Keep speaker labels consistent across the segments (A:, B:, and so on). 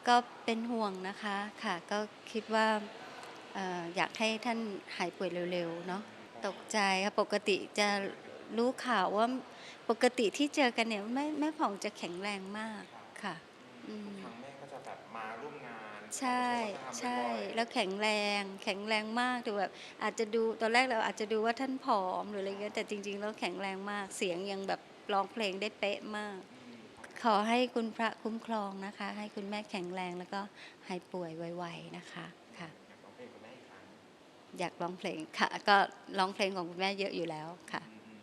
A: ก็เป็นห่วงนะคะค่ะก็คิดว่าอยากให้ท่านหายป่วยเร็วๆเนาะตกใจค่ะปกติจะรู้ข่าวว่าปกติที่เจอกันเนี่ยแม่ผ่องจะแข็งแรงมากค่ะอื
B: ทุก
A: ม
B: ครั้งแม่ก็จะแบบมาร่วมงาน
A: ใช่
B: ออกมาโชว์วัฒนธรรม
A: ใช่
B: บ่อย
A: แล้วแข็งแรงมากแต่แบบอาจจะดูตอนแรกเราอาจจะดูว่าท่านผอมหรืออะไรเงี้ยแต่จริงๆแล้วแข็งแรงมากเสียงยังแบบร้องเพลงได้เป๊ะมาก
B: ๆ
A: ขอให้คุณพระคุ้มครองนะคะให้คุณแม่แข็งแรงแล้วก็หายป่วยไวๆนะคะค่ะ
B: อยากร้องเพลงคุณแม่อีกครั้ง
A: อยากร้องเพลงค่ะก็ร้องเพลงของคุณแม่เยอะอยู่แล้วค่ะ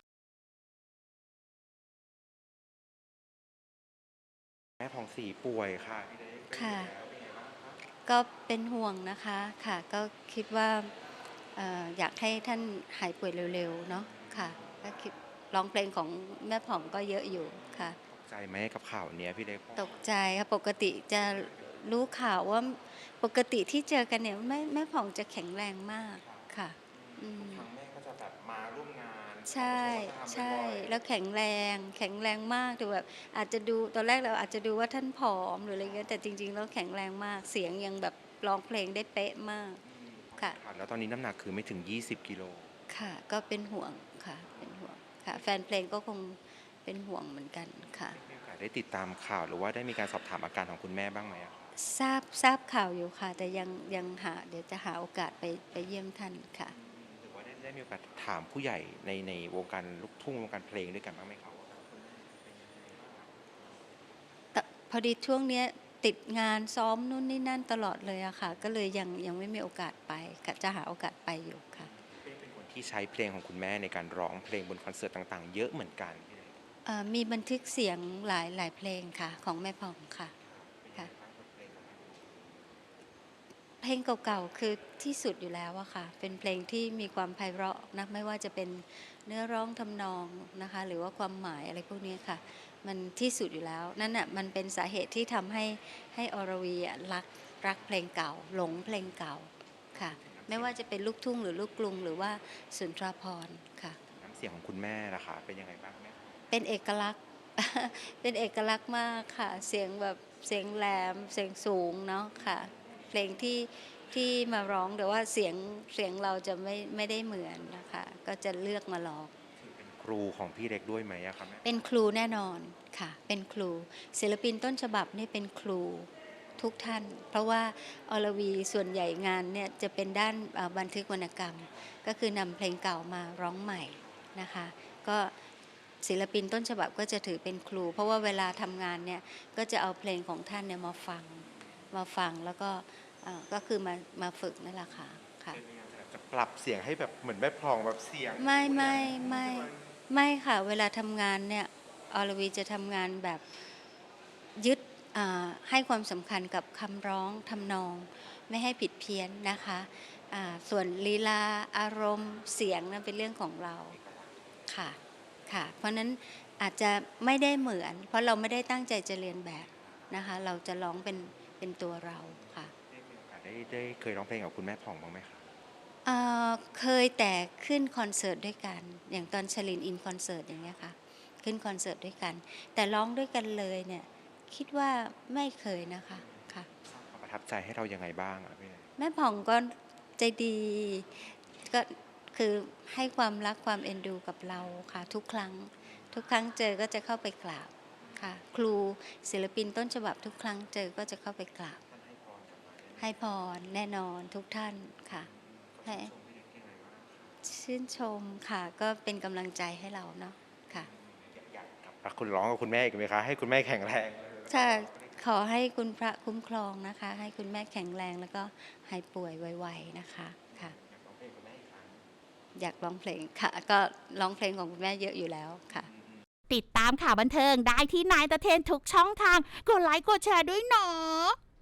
B: แม่ผ่องศรีป่วยค่ะพี่เล็กเป็นอยู่
A: ค่ะ
B: แล้วเป็นไงบ้างครับ
A: ก็เป็นห่วงนะคะค่ะก็คิดว่าอยากให้ท่านหายป่วยเร็วๆเนาะค่ะก็คิดร้องเพลงของแม่ผ่องก็เยอะอยู่ค่ะ
B: ตกใจไหมกับข่าวเนี้ยพี่เล็กเพราะว่า
A: ตกใจค่ะปกติจะรู้ข่าวว่าปกติที่เจอกันเนี่ยแม่ผ่องจะแข็งแรงมาก
B: ครับ
A: ค่ะอื
B: ทุก
A: ม
B: ครั้งแม่ก็จะแบบมาร่วมงานออกมา
A: ใช่
B: โชว์วัฒนธรรม
A: ใช่
B: บ่อย
A: แล้วแข็งแรงมากแต่แบบอาจจะดูตอนแรกเราอาจจะดูว่าท่านผอมหรืออะไรเงี้ยแต่จริงๆแล้วแข็งแรงมากเสียงยังแบบร้องเพลงได้เป๊ะมากค่ะ
B: ค่ะแล้วตอนนี้น้ำหนักคือไม่ถึง20กิโล
A: ค่ะก็เป็นห่วงค่ะเป็นห่วงค่ะแฟนเพลงก็คงเป็นห่วงเหมือนกันค่ะ
B: มีโอกาสได้ติดตามข่าวหรือว่าได้มีการสอบถามอาการของคุณแม่บ้างไหมอะครับ
A: ทราบข่าวอยู่ค่ะแต่ยังเดี๋ยวจะหาโอกาสไปเยี่ยมท่านค่ะ
B: หรือว่าได้มีโอกาสถามผู้ใหญ่ในวงการลูกทุ่งวงการเพลงด้วยกันบ้างไหมครับว่าคุณแม่เป็นยังไงบ้าง
A: แต่พอดีช่วงเนี้ยติดงานซ้อมนู่นนี่นั่นตลอดเลยอะค่ะก็เลยยังไม่มีโอกาสไปกะจะหาโอกาสไปอยู่ค่ะ
B: เป็นคนที่ใช้เพลงของคุณแม่ในการร้องเพลงบนคอนเสิร์ตต่างๆเยอะเหมือนกันพี่เล็ก
A: มีบันทึกเสียงหลายเพลงค่ะของแม่ผ่องค่ะ
B: เป็นยัง
A: ค่ะ
B: ไงบ้างบทเพลงของแม่
A: เพลงเก่าๆคือที่สุดอยู่แล้วอะค่ะเป็นเพลงที่มีความไพเราะนะไม่ว่าจะเป็นเนื้อร้องทำนองนะคะหรือว่าความหมายอะไรพวกนี้ค่ะมันที่สุดอยู่แล้วนั่นน่ะมันเป็นสาเหตุที่ทำให้อรวีอะรักเพลงเก่าหลงเพลงเก่าค่ะไม่
B: น้ำเสียง
A: ว่าจะเป็นลูกทุ่งหรือลูกกรุงหรือว่าสุนทราภรณ์ค่ะ
B: น้ำเสียงของคุณแม่ล่ะคะเป็นยังไงบ้างแม่
A: เป็นเอกลักษณ์เป็นเอกลักษณ์มากค่ะเสียงแบบเสียงแหลมเสียงสูงเนาะค่ะเพลงที่มาร้องแต่ว่าเสียงเราจะไม่ได้เหมือนนะคะก็จะเลือกมาร้อง
B: ถือเป็นครูของพี่เล็กด้วยไหมอะครับแม่
A: เป็นครูแน่นอนค่ะเป็นครูศิลปินต้นฉบับนี่เป็นครูทุกท่านเพราะว่าอรวีส่วนใหญ่งานเนี่ยจะเป็นด้านบันทึกวรรณกรรมก็คือนำเพลงเก่ามาร้องใหม่นะคะก็ศิลปินต้นฉบับก็จะถือเป็นครูเพราะว่าเวลาทำงานเนี่ยก็จะเอาเพลงของท่านเนี่ยมาฟังแล้วก็ก็คือมาฝึกนั่นแหละค่ะค่ะ
B: เป็นพยายามจะปรับเสียงให้แบบเหมือนแม่พลองแบบเสียง
A: ไม่ไม่
B: ทุกอย่าง
A: ไม่
B: ใช่ไหม
A: ไม่ค่ะเวลาทำงานเนี่ยอรวีจะทำงานแบบยึดให้ความสำคัญกับคำร้องทำนองไม่ให้ผิดเพี้ยนนะคะส่วนลีลาอารมณ์เสียงนั้นเป็นเรื่องของเราค่ะค่ะเพราะนั้นอาจจะไม่ได้เหมือนเพราะเราไม่ได้ตั้งใจจะเรียนแบบนะคะเราจะร้องเป็นตัวเราค่ะ
B: ได้มีโอกาสได้เคยร้องเพลงกับคุณแม่ผ่องบ้างไหมครับ
A: เคยแต่ขึ้นคอนเสิร์ตด้วยกันอย่างตอนชลินอินคอนเสิร์ตอย่างเงี้ยค่ะขึ้นคอนเสิร์ตด้วยกันแต่ร้องด้วยกันเลยเนี่ยคิดว่าไม่เคยนะคะค่ะ
B: สร้างความประทับใจให้เรายังไงบ้างอะพี่เล็ก
A: แม่ผ่องก็ใจดีก็คือให้ความรักความเอ็นดูกับเราค่ะทุกครั้งเจอก็จะเข้าไปกราบค่ะครูศิลปินต้นฉบับทุกครั้งเจอก็จะเข้าไปกราบ
B: ท่านให้พรกลับมาแน่นอน
A: ให้พรแน่นอนทุกท่านค่ะ
B: เขา
A: ให้
B: ชื่นชมพี่เล็กยังไงบ้างครับ
A: ชื่นชมค่ะก็เป็นกำลังใจให้เราเนาะค่ะ
B: อยากกลับคุณร้องกับคุณแม่อีกไหมคะให้คุณแม่แข็งแรง
A: ถ้าขอให้คุณพระคุ้มครองนะคะให้คุณแม่แข็งแรงแล้วก็หายป่วยไวๆนะคะค่ะ
B: อยากร้องเพลงคุณแม่อีกครั้ง
A: อยากร้องเพลงค่ะก็ร้องเพลงของคุณแม่เยอะอยู่แล้วค่ะ
C: ติดตามข่าวบันเทิงได้ที่นายตะเทนทุกช่องทางกดไลค์กดแชร์ด้วยเนาะ